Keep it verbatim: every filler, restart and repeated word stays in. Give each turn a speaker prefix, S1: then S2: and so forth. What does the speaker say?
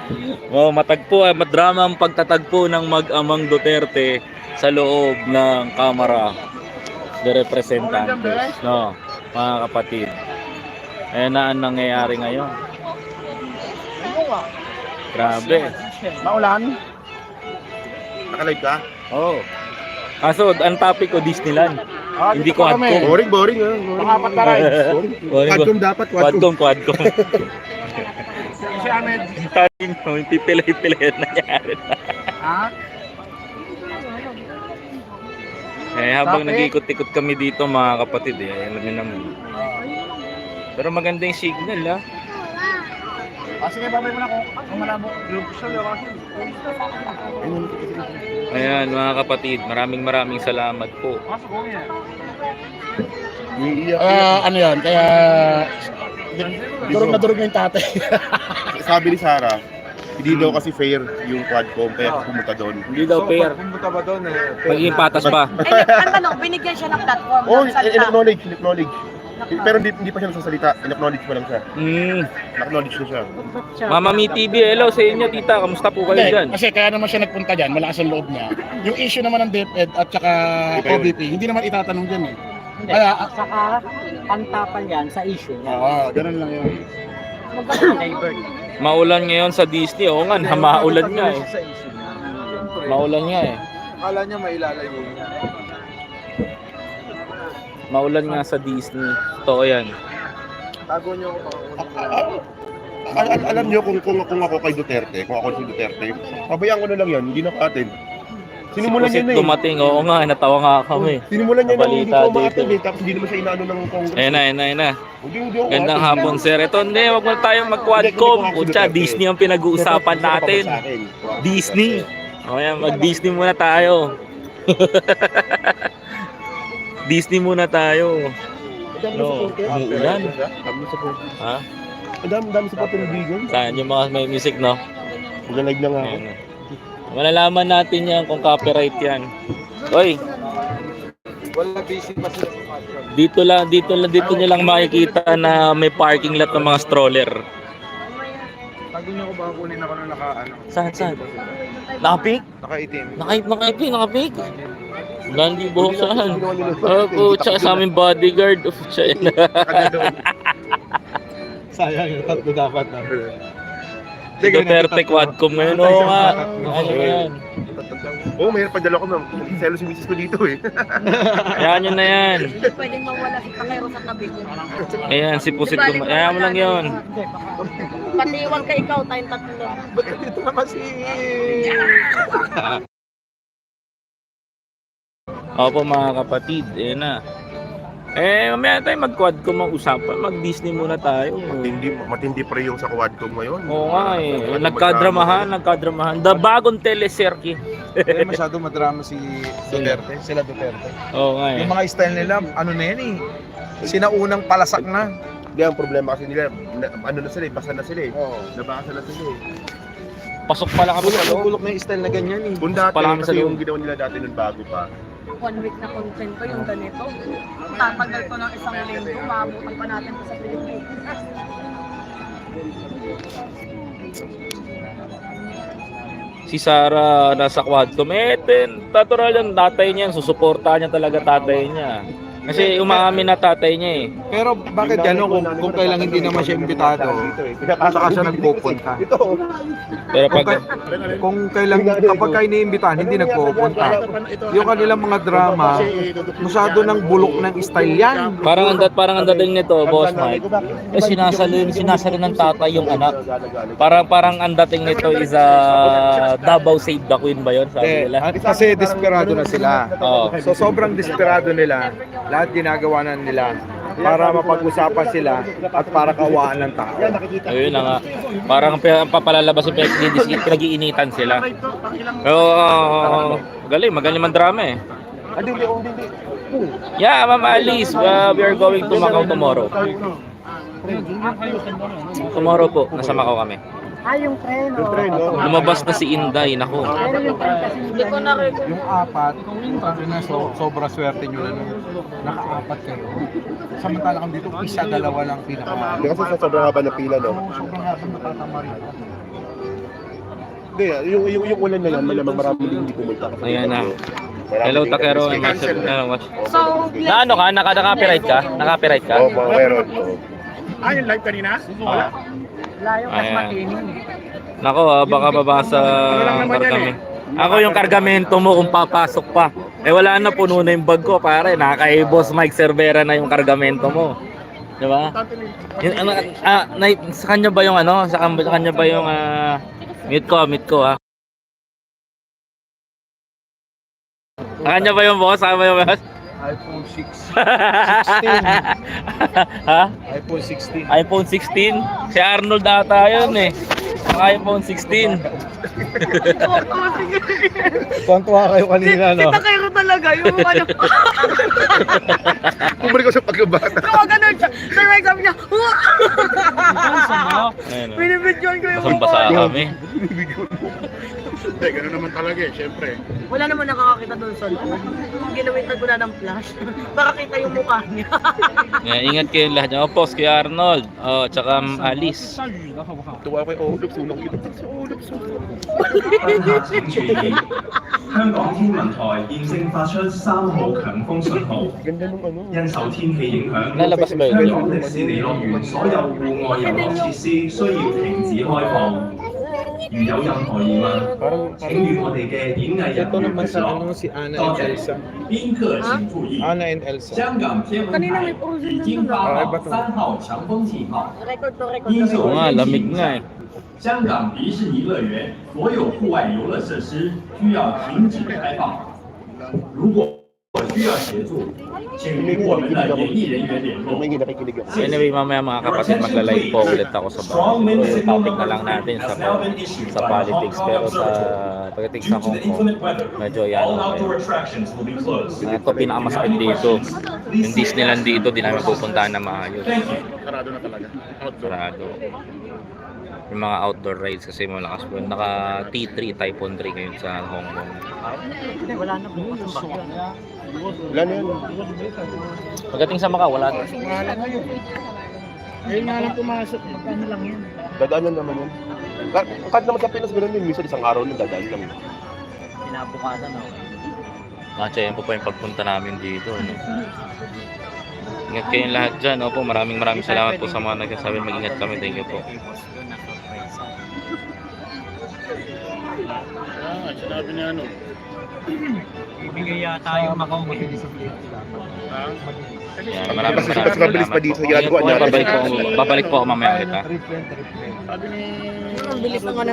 S1: Oh, matagpo, eh, madrama ang pagtatagpo ng mag-amang Duterte sa loob ng Kamara de Representantes, no, mga kapatid. Ayan na ang nangyayari ngayon. Grabe.
S2: Maulan? Nakalive ka?
S1: Oh. Kaso, ang topic ko Disneyland.
S2: Ah,
S1: Hindi
S2: dito
S1: ko
S2: pa kami.
S1: Quadcom.
S2: Boring, boring. Ah. Pangapat na rides. Quadcom dapat,
S1: Quadcom,
S2: Quadcom.
S1: Quadcom.
S2: Si Ahmed.
S1: Tayo mo, yung pipilay-pilay na nangyari na.
S2: Ha?
S1: Eh, habang
S2: Topic?
S1: nag-ikot-ikot kami dito mga kapatid, eh, alam niyo naman. Pero maganda yung signal, ha.
S2: Ah, sige, babay mo na ako. Ang malabo.
S1: Ayan mga kapatid, maraming maraming salamat po.
S2: Ah, ano yan? Kaya durog na durog na yung tatay.
S3: Sabi ni Sarah, hindi daw kasi fair yung Quadcom kaya pumunta doon.
S1: Hindi daw fair.
S2: Pumunta ba doon eh?
S1: Magiging patas pa.
S4: Ay, ang tanong, binigyan siya ng platform.
S3: Oh,
S4: ng salita.
S3: in-acknowledge, in-acknowledge. Pero hindi, hindi pa siya nagsasalita, in-acknowledge pa lang siya.
S1: Mm.
S3: In-acknowledge na siya.
S1: Mama Mi T V, hello sa inyo tita, kamusta po kayo
S2: Hindi,
S1: dyan?
S2: kasi kaya naman siya nagpunta dyan, malakas ang loob niya. Yung issue naman ng DepEd at saka
S3: Iba yun.
S2: O B P, hindi naman itatanong dyan eh.
S5: Hindi,
S2: Kaya,
S5: at saka pantapal yan sa issue niya.
S2: oo, ganun lang yun.
S5: Neighbor.
S1: Maulan ngayon sa Disney, oo nga, maulan nga eh.
S5: Sa issue niya.
S1: Maulan nga eh.
S2: Akala niya may ilalayo niya.
S1: Maulan nga sa Disney. Totoo yan.
S2: Tago niyo ako
S3: Al- al- alam niyo kung, kung, kung ako kay Duterte, kung ako si Duterte, pabayaan ko na lang yan, hindi na ka-attend. Sinimulan
S1: Si
S3: niya na
S1: Pusit
S3: eh.
S1: dumating, oo nga, natawa nga kami.
S3: Sinimulan niya na hindi
S1: Nabalita
S3: ko ma-attend
S1: dito.
S3: eh, tapos hindi naman siya inaano ng Congress.
S1: Ayan na, ayan na, ayan na.
S3: Hindi, hindi ako
S1: Gandang
S3: ma-attend.
S1: hapon sir. Ito hindi, wag mo tayong mag-quadcom. Pucha, Disney ang pinag-uusapan natin. Disney. O yan, mag-Disney muna tayo. Disney muna tayo. No, umuulan. Ha?
S3: Ang dami, dami sa patulobigan.
S1: Saan yung mga may music, no?
S3: Maglalag na nga ako.
S1: Ayan na. Malalaman natin yan kung copyright yan. Oy,
S2: Wala busy pa sila.
S1: dito lang, dito lang, dito nyo lang makikita na may parking lot ng mga stroller.
S2: Tago niyo ako ba kunin ako na naka ano?
S1: Saan, saan? Nakapik?
S2: Naka-itim.
S1: Nakait, nakapik, nakapik. Nandi buhok saan? Oh, po, tsaka sa aming bodyguard. Oh, tsaka yun.
S2: Sayang yung tatlo dapat na.
S1: Duterte Quadcom ngayon. Oo nga. Ano yan?
S3: Oo, mayroon pa dala ko ng selos yung misis ko dito eh.
S1: Ayan yun na yan.
S4: Hindi pwedeng mawala si Pangero sa tabi ko.
S1: Ayan, si Pusit Duma. Ayan mo lang yun.
S4: Patiwag ka ikaw, tayong tatlo.
S2: Ba't dito naman si...
S1: Opo mga kapatid, ayan na. Eh, mamaya tayo mag-Quadcom ang usapan. Mag-Disney muna tayo.
S3: Matindi, matindi pa rin yung sa Quadcom ngayon.
S1: Oo nga eh. Nagkadramahan, nagkadramahan. The bagong teleserye.
S6: Eh, masyado madrama si Duterte, sila Duterte.
S1: Oo nga eh.
S6: Yung mga style nila, ano na yan eh. Sinaunang palasak na.
S3: Hindi, ang problema kasi nila, na, ano na sila eh, basa na sila eh.
S6: Oo.
S3: Nabasa na sila eh.
S1: Pasok pa lang kami sa loob.
S6: Bulok na yung style na ganyan eh.
S3: Kung dati,
S1: Pala kami sa
S3: kasi
S1: loob.
S3: yung ginawa nila dati nun bago pa.
S4: One week na content ko yung ganito. Tatagal ko ng isang linggo, maabutan pa natin to sa Pilipinas.
S1: Si Sarah nasa Quadcom. Eh, ten, natural yung tatay niya. Susuportahan niya talaga tatay niya. Kasi umaamin na tatay niya eh.
S6: Pero bakit gano'n kung, kung kailang hindi naman siya imbitado, saka siya nagpupunta?
S3: Ito.
S1: Pero
S6: Kung,
S1: pag...
S6: kay, kung kailang, kapag kayo iniimbitahan, hindi nagpupunta. Yung kanilang mga drama, masyado ng bulok ng style yan.
S1: Parang ang dat parang ang dating nito, Boss Mike. Eh sinasalo sinasalo ng tatay yung anak. Parang parang ang dating nito is uh, Davao Save the Queen ba 'yon sabi
S6: Eh,
S1: nila?
S6: kasi desperado na sila.
S1: Oo.
S6: So sobrang desperado nila, lahat ginagawa na nila para mapag-usapan sila at para kawaan ng tao.
S1: Ayun na nga. Parang pa- papalalabas yung pinag- pinag-iinitan sila. Pero uh, galing, magaling man drama eh.
S3: Hindi, hindi, hindi, hindi.
S1: Yeah, Ma'am Alice, uh, we are going to Macau tomorrow. Tomorrow po, nasa Macau kami.
S5: Ah, yung tren.
S3: Yung tren, no?
S1: Lumabas na si Inday, nako.
S5: Pero yung tren kasi
S4: Hindi ko na rin.
S6: Yung apat, sabi na so, sobra swerte nyo na nung naka-apat kayo. Samantalang dito, isa, dalawa lang pinaka.
S3: Hindi kasi sa sobrang haba ng pila, no?
S6: Sobrang haba natatama rin.
S3: Hindi, ah, yung, yung, yung ulan na yan, malamang marami din hindi pumunta. Kasi
S1: Ayan na.
S3: marami
S1: Hello,
S3: din
S1: Takero.
S3: kasi-
S1: Master- ano, watch.
S4: So,
S1: Na ano ka? Naka, naka-copyright ka? Naka-copyright ka?
S3: Oo, mga meron. oo.
S2: Ah, yung live kanina?
S1: Ah.
S5: Layo kasi
S1: Ayan.
S5: matining.
S1: Nako, ah, baka babasa ang kargame. Ako yung kargamento mo kung papasok pa. Eh wala na, puno na yung bag ko, pare. Nakakay Boss Mike Cervera na yung kargamento mo. Di ba? Yung, ano, ah, na, sa kanya ba yung ano? Sa, kan- sa kanya ba yung ah, mute ko, mute ko ah. Sa kanya ba yung boss? Sa kanya ba yung boss?
S6: iPhone six. sixteen.
S1: Ha?
S6: iPhone sixteen.
S1: iPhone sixteen? Si Arnold ata yun eh. Ang iPhone sixteen.
S6: Tuwan-tuwa kayo kanina, no?
S4: kita kayo talaga yung ano.
S3: Bumalik ko sa pagkabata.
S4: Kung ganun siya, sir Mike sabi niya,
S1: Ayun, oh.
S4: binibidyoan ko yung
S1: Basang-basa kami.
S2: Hindi, gano'n naman talaga eh, syempre.
S4: Wala naman nakakakita doon sa loob. Ginawitan ko na ng flash. Para kita yung mukha niya.
S1: Yeah, ingat kayo lahat. Oh, post kay Arnold. Oh, tsaka um, Alice.
S3: Tuwa ko yung oh, ulap sunog kita. Ulap sunog.
S7: 請注意，香港天文台現正發出三號強風信號，
S3: Ganda nung ano.
S7: 因受天氣影響，
S1: Lalabas ba
S7: 香
S1: yun?
S7: 港迪士尼樂園所有戶外遊樂設施需要停止開放。如有任何疑問，
S3: Parang,
S7: 請與我哋嘅演藝人
S6: Ito
S7: 員
S6: naman
S7: 聯
S6: sa
S7: 絡。
S6: ano, si Anna
S7: 多
S6: and
S7: 謝
S6: Elsa.
S7: 賓客請注意，
S6: Anna and Elsa.
S7: 香港天文台已經發放三號強風信號，
S4: Record to record
S7: 因
S4: to
S7: 受
S1: Oo nga,
S7: 天氣
S1: lamig
S7: 影
S1: nga
S7: 響
S1: eh.，
S7: 香港迪士尼樂園所有戶外遊樂設施需要停止開放。如果需要協助，請與我們的演藝人員聯
S3: may
S7: 絡。
S3: nakikinig ako.
S1: Anyway, mamaya mga kapatid, magla-live po ulit ako sa bahay. So, topic na lang natin sa sa politics. Pero sa pagdating sa Hong Kong, medyo yan. Okay. Ito pinakamasakit dito. Yung Disneyland dito, di namin pupuntahan na maayos.
S2: Sarado na talaga. Outdoor.
S1: Sarado. Yung mga outdoor rides kasi malakas po. Naka T three, Typhoon three ngayon sa Hong Kong.
S5: Wala na bukas ang bakyo.
S3: Wala na yan.
S1: Pagdating sa Macau, wala na.
S2: Ngayon nga lang pumasok.
S5: Magkano lang yan?
S3: Dadaan lang naman yan. Ka- Kahit naman sa Pinas, ganun din. Minsan isang araw lang, dadaan lang.
S5: Pinabukasan ako.
S1: Nacha, yan po pa yung pagpunta namin dito. No? Ingat kayong lahat dyan. Opo, maraming maraming salamat po sa mga nagsasabi. Mag-ingat kami. Thank you po.
S2: Ah, sinabi niya ano.
S5: Ibigay yata yung Macau mabilis sa plate.
S2: Ah,
S1: Yan, maraming
S3: Mas-
S1: maraming
S3: mas mabilis pa dito,
S1: salamat po.
S3: ginagawa niya.
S1: Babalik po, babalik po ako mamaya ulit ha.
S2: sabi ni...
S4: Ang bilis naman